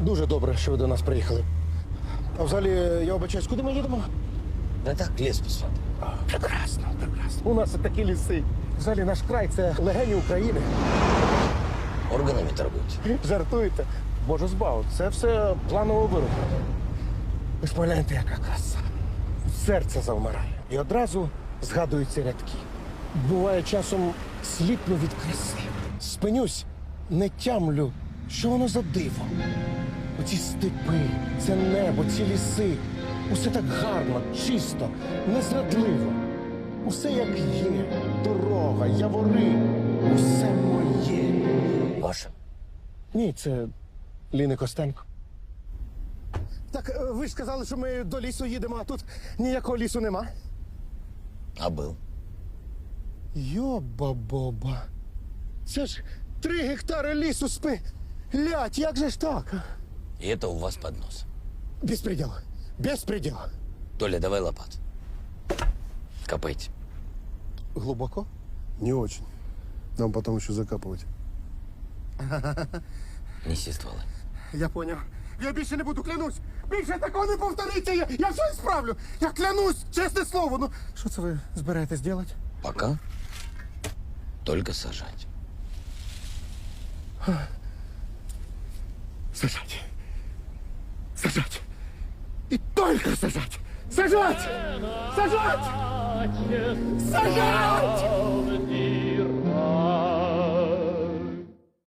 Дуже добре, що ви до нас приїхали. А взагалі, я вибачаюсь, куди ми їдемо? Да так, лес посмотри. Прекрасно, прекрасно. У нас такі ліси. Взагалі, наш край – це легені України. Органами торгуете. Жартуєте? Боже збав, це все планово вироблено. Ви ж погляньте, яка краса. Серце завмирає. І одразу згадуються рядки. Буває, часом сліпну від краси. Спинюсь, не тямлю, що воно за диво. Оці степи, це небо, ці ліси. Усе так гарно, чисто, незрадливо. Усе як є. Дорога, явори. Усе моє. Ваше. Ні, це Ліни Костенко. Так, ви ж сказали, що ми до лісу їдемо, а тут ніякого лісу нема. А был. Йоба-боба. Це ж 3 гектари лісу спилять, як же ж так? И это у вас под нос. Беспредел. Беспредел. Толя, давай лопат. Копайте. Глубоко? Не очень. Нам потом еще закапывать. Неси стволы. Я поняв. Я більше не буду, клянусь. Більше такого не повториться. Я все справлю. Я клянусь, чесне слово. Ну, що це ви збираєтесь робити? Пока только сажать. Сажать. Сажать. И только сажать. Сажать! Сажать! Сажать!